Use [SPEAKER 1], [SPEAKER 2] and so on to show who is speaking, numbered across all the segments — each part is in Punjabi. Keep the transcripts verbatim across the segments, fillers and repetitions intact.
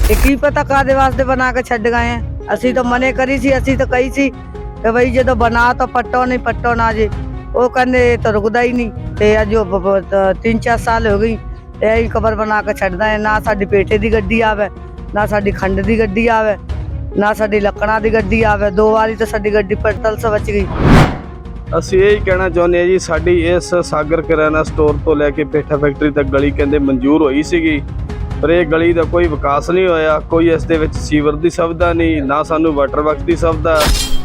[SPEAKER 1] ਇਹ ਕੀ ਪਤਾ ਕਾਦੇ ਵਾਸਤੇ ਬਣਾ ਕੇ ਛੱਡ ਗਏ ਆ। ਅਸੀਂ ਤਾਂ ਮਨੇ ਕਰੀ ਸੀ, ਅਸੀਂ ਤਾਂ ਕਹੀ ਸੀ ਕਿ ਬਈ ਜਦੋਂ ਬਣਾ ਤਾਂ ਪੱਟੋ ਨਹੀਂ, ਪੱਟੋ ਨਾ ਜੇ। ਉਹ ਕਹਿੰਦੇ ਤਾਂ ਰੁਕਦਾ ਹੀ ਨਹੀਂ। ਤੇ ਅੱਜ ਤਿੰਨ ਚਾਰ ਸਾਲ ਹੋ ਗਈ ਇਹ ਕਬਰ ਬਣਾ ਕੇ ਛੱਡਦਾ ਹੈ। ਨਾ ਸਾਡੀ ਪੇਟੇ ਦੀ ਗੱਡੀ ਆਵੇ, ਨਾ ਸਾਡੀ ਖੰਡ ਦੀ ਗੱਡੀ ਆਵੇ, ਨਾ ਸਾਡੀ ਲੱਕੜਾਂ ਦੀ ਗੱਡੀ ਆਵੇ। ਦੋ ਵਾਰੀ ਤਾਂ ਸਾਡੀ ਗੱਡੀ ਪਟਲ ਸੇ ਬਚ ਗਈ।
[SPEAKER 2] ਅਸੀਂ ਇਹ ਕਹਿਣਾ ਚਾਹੁੰਦੇ ਹਾਂ ਜੀ, ਸਾਡੀ ਇਸ ਸਾਗਰ ਕਿਰਾਣਾ ਸਟੋਰ ਤੋਂ ਲੈ ਕੇ ਪੇਠਾ ਫੈਕਟਰੀ ਤੱਕ ਗਲੀ ਕਹਿੰਦੇ ਮਨਜ਼ੂਰ ਹੋਈ ਸੀਗੀ, ਪਰ ਇਹ ਗਲੀ ਦਾ ਕੋਈ ਵਿਕਾਸ ਨਹੀਂ ਹੋਇਆ। ਕੋਈ ਇਸ ਦੇ ਵਿੱਚ ਸੀਵਰ ਦੀ ਸੁਵਿਧਾ ਨਹੀਂ, ਨਾ ਸਾਨੂੰ ਵਾਟਰ ਵਰਕਸ ਦੀ ਸੁਵਿਧਾ।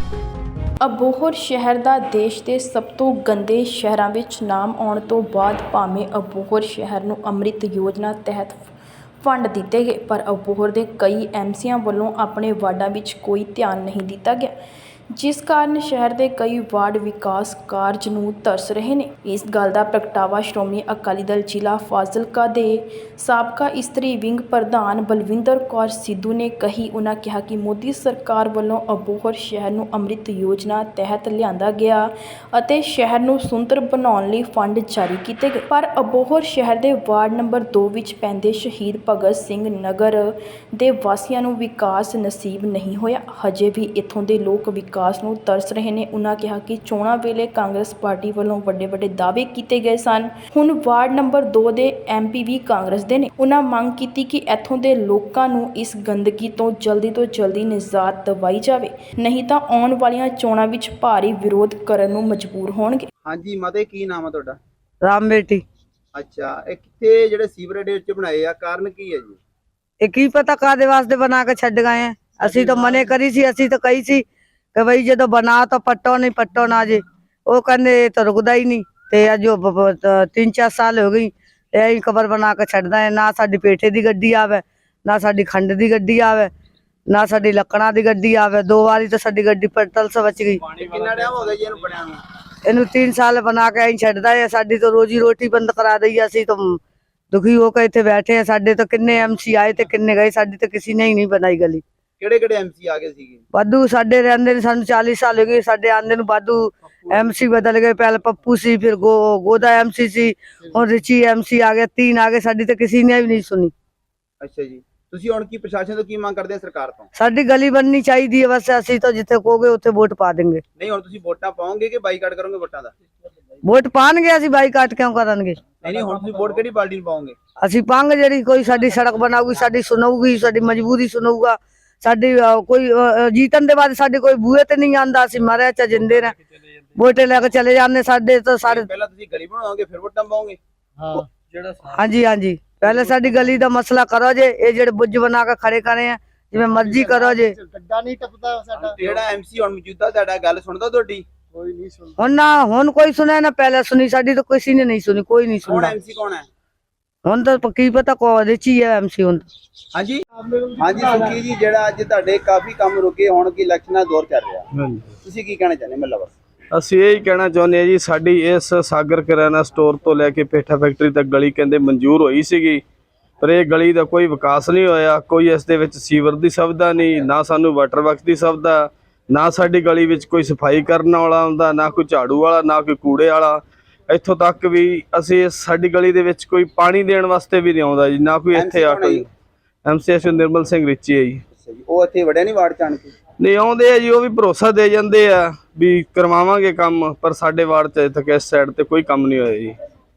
[SPEAKER 3] ਅਬੋਹਰ ਸ਼ਹਿਰ ਦਾ ਦੇਸ਼ ਦੇ ਸਭ ਤੋਂ ਗੰਦੇ ਸ਼ਹਿਰਾਂ ਵਿੱਚ ਨਾਮ ਆਉਣ ਤੋਂ ਬਾਅਦ ਭਾਵੇਂ ਅਬੋਹਰ ਸ਼ਹਿਰ ਨੂੰ ਅੰਮ੍ਰਿਤ ਯੋਜਨਾ ਤਹਿਤ ਫੰਡ ਦਿੱਤੇ ਗਏ, ਪਰ ਅਬੋਹਰ ਦੇ ਕਈ ਐਮਸੀਆਂ ਵੱਲੋਂ ਆਪਣੇ ਵਾਰਡਾਂ ਵਿੱਚ ਕੋਈ ਧਿਆਨ ਨਹੀਂ ਦਿੱਤਾ ਗਿਆ, ਜਿਸ ਕਾਰਨ ਸ਼ਹਿਰ ਦੇ ਕਈ ਵਾਰਡ ਵਿਕਾਸ ਕਾਰਜ ਨੂੰ ਤਰਸ ਰਹੇ ਨੇ। ਇਸ ਗੱਲ ਦਾ ਪ੍ਰਗਟਾਵਾ ਸ਼੍ਰੋਮਣੀ ਅਕਾਲੀ ਦਲ ਜ਼ਿਲ੍ਹਾ ਫਾਜ਼ਿਲਕਾ ਦੇ ਸਾਬਕਾ ਇਸਤਰੀ ਵਿੰਗ ਪ੍ਰਧਾਨ ਬਲਵਿੰਦਰ ਕੌਰ ਸਿੱਧੂ ਨੇ ਕਹੀ। ਉਹਨਾਂ ਕਿਹਾ ਕਿ ਮੋਦੀ ਸਰਕਾਰ ਵੱਲੋਂ ਅਬੋਹਰ ਸ਼ਹਿਰ ਨੂੰ ਅੰਮ੍ਰਿਤ ਯੋਜਨਾ ਤਹਿਤ ਲਿਆਂਦਾ ਗਿਆ ਅਤੇ ਸ਼ਹਿਰ ਨੂੰ ਸੁੰਦਰ ਬਣਾਉਣ ਲਈ ਫੰਡ ਜਾਰੀ ਕੀਤੇ ਗਏ, ਪਰ ਅਬੋਹਰ ਸ਼ਹਿਰ ਦੇ ਵਾਰਡ ਨੰਬਰ ਦੋ ਵਿੱਚ ਪੈਂਦੇ ਸ਼ਹੀਦ ਭਗਤ ਸਿੰਘ ਨਗਰ ਦੇ ਵਾਸੀਆਂ ਨੂੰ ਵਿਕਾਸ ਨਸੀਬ ਨਹੀਂ ਹੋਇਆ। ਹਜੇ ਵੀ ਇੱਥੋਂ ਦੇ ਲੋਕ ਵਿਕਾਸ ਨੂੰ ਤਰਸ ਰਹੇ ਨੇ। ਉਹਨਾਂ ਕਿਹਾ ਕਿ ਚੋਣਾਂ ਵੇਲੇ ਕਾਂਗਰਸ ਪਾਰਟੀ ਵੱਲੋਂ ਵੱਡੇ ਵੱਡੇ ਦਾਅਵੇ ਕੀਤੇ ਗਏ ਸਨ, ਹੁਣ ਵਾਰਡ ਨੰਬਰ ਦੋ ਦੇ ਐਮਪੀ ਵੀ ਕਾਂਗਰਸ ਦੇ ਨੇ। ਉਹਨਾਂ ਮੰਗ ਕੀਤੀ ਕਿ ਇੱਥੋਂ ਦੇ ਲੋਕਾਂ ਨੂੰ ਇਸ ਗੰਦਗੀ ਤੋਂ ਜਲਦੀ ਤੋਂ ਜਲਦੀ ਨਿਜਾਤ ਦਿਵਾਈ ਜਾਵੇ, ਨਹੀਂ ਤਾਂ ਆਉਣ ਵਾਲੀਆਂ ਚੋਣਾਂ ਵਿੱਚ ਭਾਰੀ ਵਿਰੋਧ ਕਰਨ ਨੂੰ ਮਜਬੂਰ ਹੋਣਗੇ।
[SPEAKER 4] ਹਾਂਜੀ ਮਾਤੇ, ਕੀ ਨਾਮ ਹੈ ਤੁਹਾਡਾ?
[SPEAKER 1] ਰਾਮ ਬੇਟੀ।
[SPEAKER 4] ਅੱਛਾ, ਇਹ ਕਿੱਥੇ ਜਿਹੜੇ ਸੀਵਰੇਜ ਵਿੱਚ ਬਣਾਏ ਆ, ਕਾਰਨ ਕੀ ਹੈ ਜੀ?
[SPEAKER 1] ਇਹ ਕੀ ਪਤਾ ਕਾਦੇ ਵਾਸਤੇ ਬਣਾ ਕੇ ਛੱਡ ਗਏ ਆ। ਅਸੀਂ ਤਾਂ ਮਨੇ ਕਰੀ ਸੀ, ਅਸੀਂ ਤਾਂ ਕਹੀ ਸੀ ਕਿ ਬਈ ਜਦੋਂ ਬਣਾ ਤਾਂ ਪੱਟੋ ਨਹੀਂ, ਪੱਟੋ ਨਾ ਜੇ। ਉਹ ਕਹਿੰਦੇ ਤਾਂ ਰੁਕਦਾ ਹੀ ਨਹੀਂ। ਤੇ ਅੱਜ ਤਿੰਨ ਚਾਰ ਸਾਲ ਹੋ ਗਈ ਇਹ ਕਬਰ ਬਣਾ ਕੇ ਛੱਡਦਾ ਹੈ। ਨਾ ਸਾਡੀ ਪੇਠੇ ਦੀ ਗੱਡੀ ਆਵੇ, ਨਾ ਸਾਡੀ ਖੰਡ ਦੀ ਗੱਡੀ ਆਵੇ, ਨਾ ਸਾਡੀ ਲੱਕੜਾਂ ਦੀ ਗੱਡੀ ਆਵੇ। ਦੋ ਵਾਰੀ ਤਾਂ ਸਾਡੀ ਗੱਡੀ ਪਟਲ ਸੇ ਬਚ ਗਈ।
[SPEAKER 4] ਕਿੰਨਾ ਟਾਈਮ ਹੋ ਗਿਆ ਜੀ ਇਹਨੂੰ ਬਣਿਆ ਨੂੰ?
[SPEAKER 1] ਇਹਨੂੰ तीन साल बना के आई छड्डदा है। साडी तो रोजी रोटी बंद करा दी। असी तो दुखी होकर इत्थे बैठे हैं। साडे तो किन्ने एमसी आए ते किन्ने गए, साडी तो किसी ने ही नहीं बनाई गली।
[SPEAKER 4] ਕਿਹੜੇ ਕਿਹੜੇ ਐਮਸੀ ਆ ਗਏ ਸੀਗੇ?
[SPEAKER 1] वाधू साडे रहंदे ने, सानू चालीस साल हो गए साडे आंदे नू। वाधू एमसी बदल गए, पहले पप्पू सी, फिर गो गोदा एमसी सी, हुण रिची एमसी आ गया। तीन आ गए, साडी तो किसी ने भी नहीं सुनी।
[SPEAKER 4] ਅੱਛਾ ਜੀ, ਤੁਸੀਂ ਹੁਣ ਕੀ ਪ੍ਰਸ਼ਾਸਨ ਤੋਂ ਕੀ ਮੰਗ ਕਰਦੇ ਆ ਸਰਕਾਰ ਤੋਂ?
[SPEAKER 1] साडी गली बननी चाहिए बस। असी तो जिथे कहोगे उत्थे वोट पा देंगे।
[SPEAKER 4] ਨਹੀਂ ਹੁਣ ਤੁਸੀਂ ਵੋਟਾਂ ਪਾਓਗੇ ਕਿ ਬਾਈਕਾਟ ਕਰੋਗੇ ਵੋਟਾਂ ਦਾ?
[SPEAKER 1] वोट पाणगे, असी बाईकाट क्यों करांगे?
[SPEAKER 4] ਨਹੀਂ ਨਹੀਂ ਹੁਣ ਤੁਸੀਂ ਵੋਟ ਕਿਹੜੀ ਪਾਰਟੀ ਨੂੰ ਪਾਓਗੇ?
[SPEAKER 1] ਅਸੀਂ ਪੰਗ ਜਿਹੜੀ ਕੋਈ ਸਾਡੀ ਸੜਕ ਬਣਾਊਗੀ, ਸਾਡੀ ਸੁਣੂਗੀ, ਸਾਡੀ ਮਜਬੂਰੀ ਸੁਣੂਗਾ। ਸਾਡੀ ਕੋਈ ਜੀਤਨ ਦੇ ਬਾਅਦ ਸਾਡੇ ਕੋਈ ਬੂਹੇ ਤੇ ਨਹੀਂ ਆਂਦਾ। ਅਸੀਂ ਮਾਰਿਆ ਚ ਜਿੰਦੇ ਨੇ ਵੋਟੇ ਲੈ ਕੇ ਚਲੇ ਜਾਂਦੇ। ਸਾਡੇ ਤਾਂ ਸਾਰੇ
[SPEAKER 4] ਪਹਿਲਾਂ ਤੁਸੀਂ ਗਲੀ ਬਣਾਓਗੇ ਫਿਰ ਵੋਟਾਂ ਪਾਓਗੇ?
[SPEAKER 2] ਹਾਂ, ਜਿਹੜਾ
[SPEAKER 1] ਹਾਂਜੀ ਹਾਂਜੀ, ਪਹਿਲੇ ਸਾਡੀ ਗਲੀ ਦਾ ਮਸਲਾ ਕਰੋ ਜੇ। ਇਹ ਜਿਹੜੇ ਬੁੱਝ ਬਣਾ ਕੇ ਖੜੇ ਕਰੇ ਆ, ਜਿਵੇਂ ਮਰਜ਼ੀ ਕਰੋ ਜੇ।
[SPEAKER 4] ਗੱਡਾ ਨਹੀਂ ਟੱਪਦਾ ਸਾਡਾ। ਜਿਹੜਾ ਐਮਸੀ ਹੁਣ ਮੌਜੂਦਾ ਤੁਹਾਡਾ ਗੱਲ ਸੁਣਦਾ ਤੁਹਾਡੀ? ਕੋਈ ਨਹੀਂ ਸੁਣਦਾ।
[SPEAKER 1] ਹੁਣ ਨਾ ਹੁਣ ਕੋਈ ਸੁਣਿਆ ਨਾ ਪਹਿਲੇ ਸੁਣੀ। ਸਾਡੀ ਤਾਂ ਕਿਸੇ ਨੇ ਨਹੀਂ ਸੁਣੀ, ਕੋਈ ਨਹੀਂ
[SPEAKER 4] ਕੌਣ
[SPEAKER 1] ਸੁਣਦਾ।
[SPEAKER 4] ਐਮਸੀ ਕੌਣ ਹੈ?
[SPEAKER 1] ਹੁਣ ਤਾਂ ਕੀ ਪਤਾ ਕੋ ਰਿਚੀ ਹੈ ਐਮਸੀ ਹੁਣ।
[SPEAKER 4] ਹਾਂਜੀ ਹਾਂਜੀ ਸੁਖੀ ਜੀ, ਜਿਹੜਾ ਅੱਜ ਤੁਹਾਡੇ ਕਾਫੀ ਕੰਮ ਰੁਕੇ, ਹੁਣ ਕੀ ਇਲੈਕਸ਼ਨਾਂ ਦੌਰ ਚੱਲ ਰਿਹਾ, ਤੁਸੀਂ ਕੀ ਕਹਿਣਾ ਚਾਹੁੰਦੇ? ਮਤਲਬ
[SPEAKER 2] ਅਸੀਂ ਇਹ ਕਹਿਣਾ ਚਾਹੁੰਦੇ ਹਾਂ ਜੀ, ਸਾਡੀ ਇਸ ਸਾਗਰ ਕਿਰਾਣਾ ਸਟੋਰ ਤੋਂ ਲੈ ਕੇ ਪੇਠਾ ਫੈਕਟਰੀ ਤੱਕ ਗਲੀ ਕਹਿੰਦੇ ਮਨਜ਼ੂਰ ਹੋਈ ਸੀਗੀ, ਪਰ ਇਹ ਗਲੀ ਦਾ ਕੋਈ ਵਿਕਾਸ ਨਹੀਂ ਹੋਇਆ। ਕੋਈ ਇਸ ਦੇ ਵਿੱਚ ਸੀਵਰ ਦੀ ਸੁਵਿਧਾ ਨਹੀਂ, ਨਾ ਸਾਨੂੰ ਵਾਟਰ ਵਰਕਸ ਦੀ ਸੁਵਿਧਾ, ਨਾ ਸਾਡੀ ਗਲੀ ਵਿੱਚ ਕੋਈ ਸਫਾਈ ਕਰਨ ਵਾਲਾ ਆਉਂਦਾ, ਨਾ ਕੋਈ ਝਾੜੂ ਵਾਲਾ, ਨਾ ਕੋਈ ਕੂੜੇ ਵਾਲਾ। ਇੱਥੋਂ ਤੱਕ ਵੀ ਅਸੀਂ ਸਾਡੀ ਗਲੀ ਦੇ ਵਿੱਚ ਕੋਈ ਪਾਣੀ ਦੇਣ ਵਾਸਤੇ ਵੀ ਨਹੀਂ ਆਉਂਦਾ ਜੀ, ਨਾ ਕੋਈ ਇੱਥੇ ਆ ਕੋਈ। ਐਮਸੀ ਨਿਰਮਲ ਸਿੰਘ ਰਿਚੀ ਹੈ ਜੀ।
[SPEAKER 4] ਉਹ ਇੱਥੇ ਵੜਿਆ ਨਹੀਂ ਵਾਰਡ ਚ ਆਣ ਕੇ?
[SPEAKER 2] ਨਹੀਂ ਆਉਂਦੇ ਆ ਜੀ, ਉਹ ਵੀ ਭਰੋਸਾ ਦੇ ਜਾਂਦੇ ਆ ਵੀ ਕਰਵਾਵਾਂਗੇ ਕੰਮ, ਪਰ ਸਾਡੇ ਵਾਰਡ ਚ ਤੱਕ ਇਸ ਸਾਈਡ ਤੇ ਕੋਈ ਕੰਮ ਨਹੀਂ ਹੋਇਆ ਜੀ।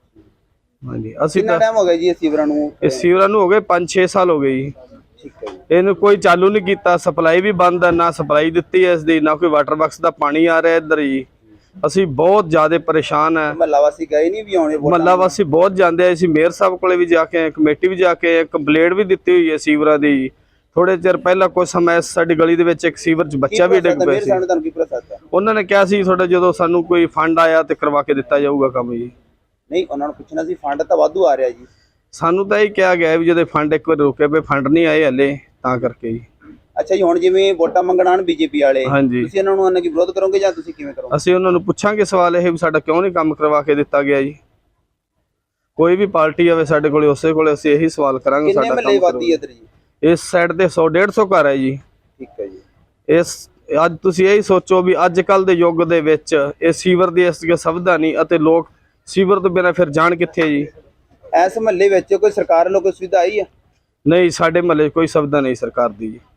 [SPEAKER 2] ਹਾਂਜੀ, ਅਸੀਂ
[SPEAKER 4] ਕਿੰਨਾ ਟਾਈਮ ਹੋ ਗਿਆ ਜੀ ਇਹ ਸੀਵਰਾਂ ਨੂੰ?
[SPEAKER 2] ਇਹ ਸੀਵਰਾਂ ਨੂੰ ਹੋ ਗਏ ਪੰਜ ਛੇ ਸਾਲ ਹੋ ਗਏ ਜੀ।
[SPEAKER 4] ਠੀਕ ਹੈ ਜੀ।
[SPEAKER 2] ਇਹਨੂੰ ਕੋਈ ਚਾਲੂ ਨਹੀਂ ਕੀਤਾ। ਸਪਲਾਈ ਵੀ ਬੰਦ ਹੈ, ਨਾ ਸਪਲਾਈ ਦਿੱਤੀ ਹੈ ਇਸ ਦੀ, ਨਾ ਕੋਈ ਵਾਟਰ ਵਰਕਸ ਦਾ ਪਾਣੀ ਆ ਰਿਹਾ ਇੱਧਰ ਜੀ। ਅਸੀਂ ਬਹੁਤ ਜ਼ਿਆਦਾ ਪਰੇਸ਼ਾਨ ਹੈ।
[SPEAKER 4] ਮਹੱਲਾ ਵਾਸੀ ਗਏ ਨਹੀਂ ਵੀ ਆਉਣੇ?
[SPEAKER 2] ਮਹੱਲਾ ਵਾਸੀ ਬਹੁਤ ਜਾਂਦੇ ਆ। ਅਸੀਂ ਮੇਅਰ ਸਾਹਿਬ ਕੋਲੇ ਵੀ ਜਾ ਕੇ ਆਏ, ਕਮੇਟੀ ਵੀ ਜਾ ਕੇ ਆਏ, ਕੰਪਲੇਂਟ ਵੀ ਦਿੱਤੀ ਹੋਈ ਹੈ ਸੀਵਰਾਂ ਦੀ। ਥੋੜੇ ਚਿਰ ਪਹਿਲਾਂ ਕੁਝ ਸਮਾਂ ਸਾਡੀ ਗਲੀ ਦੇ ਵਿੱਚ ਇੱਕ ਸੀਵਰ 'ਚ ਬੱਚਾ ਵੀ ਡਿੱਗ ਪਿਆ ਸੀ। ਉਹਨਾਂ ਨੇ ਕਿਹਾ ਸੀ ਤੁਹਾਡਾ ਜਦੋਂ ਸਾਨੂੰ ਕੋਈ ਫੰਡ ਆਇਆ ਤੇ ਕਰਵਾ ਕੇ ਦਿੱਤਾ ਜਾਊਗਾ ਕੰਮ ਜੀ।
[SPEAKER 4] ਨਹੀਂ, ਉਹਨਾਂ ਨੂੰ ਪੁੱਛਣਾ ਸੀ, ਫੰਡ ਤਾਂ ਵਾਧੂ ਆ ਰਿਹਾ ਜੀ।
[SPEAKER 2] ਸਾਨੂੰ ਤਾਂ ਇਹ ਕਿਹਾ ਗਿਆ ਵੀ ਜਦੋਂ ਫੰਡ ਇੱਕ ਵਾਰ ਰੁਕੇ ਪਏ, ਫੰਡ ਨਹੀਂ ਆਏ ਹਲੇ, ਤਾਂ ਕਰਕੇ ਜੀ।
[SPEAKER 4] ਅੱਛਾ ਜੀ, ਹੁਣ ਜਿਵੇਂ ਵੋਟਾਂ ਮੰਗਣ ਆਣ ਬੀਜੇਪੀ ਵਾਲੇ,
[SPEAKER 2] ਹਾਂਜੀ,
[SPEAKER 4] ਤੁਸੀਂ ਇਹਨਾਂ ਨੂੰ ਉਹਨਾਂ ਕੀ ਵਿਰੋਧ ਕਰੋਗੇ ਜਾਂ ਤੁਸੀਂ ਕਿਵੇਂ ਕਰੋਗੇ?
[SPEAKER 2] ਅਸੀਂ ਉਹਨਾਂ ਨੂੰ ਪੁੱਛਾਂਗੇ ਸਵਾਲ ਇਹ ਵੀ ਸਾਡਾ ਕਿਉਂ ਨਹੀਂ ਕੰਮ ਕਰਵਾ ਕੇ ਦਿੱਤਾ ਗਿਆ ਜੀ। ਕੋਈ ਵੀ ਪਾਰਟੀ ਆਵੇ ਸਾਡੇ ਕੋਲੇ, ਉਸੇ ਕੋਲੇ ਅਸੀਂ ਇਹੀ ਸਵਾਲ ਕਰਾਂਗੇ।
[SPEAKER 4] ਕਿੰਨੇ ਮਹੱਲੇ ਵਾਦੀ ਇੱਧਰ ਜੀ?
[SPEAKER 2] ਇਸ ਸਾਈਡ ਤੇ ਸੌ ਡੇਢ ਸੌ ਘਰ ਹੈ ਜੀ।
[SPEAKER 4] ਠੀਕ ਹੈ ਜੀ।
[SPEAKER 2] ਇਸ ਅੱਜ ਤੁਸੀਂ ਇਹੀ ਸੋਚੋ ਵੀ ਅੱਜ ਕੱਲ ਦੇ ਯੁੱਗ ਦੇ ਵਿੱਚ ਇਹ ਸੀਵਰ ਦੀ ਇਸ ਸੁਵਿਧਾ ਨਹੀਂ ਅਤੇ ਲੋਕ ਸੀਵਰ ਤੋਂ ਬਿਨਾਂ ਫਿਰ ਜਾਣ ਕਿੱਥੇ ਜੀ?
[SPEAKER 4] ਇਸ ਮਹੱਲੇ ਵਿੱਚ ਕੋਈ ਸਰਕਾਰ ਵੱਲੋਂ ਕੋਈ ਸੁਵਿਧਾ ਆਈ ਹੈ?
[SPEAKER 2] ਨਹੀਂ ਸਾਡੇ ਮਹੱਲੇ 'ਚ ਕੋਈ ਸੁਵਿਧਾ ਨਹੀਂ ਸਰਕਾਰ ਦੀ ਜੀ।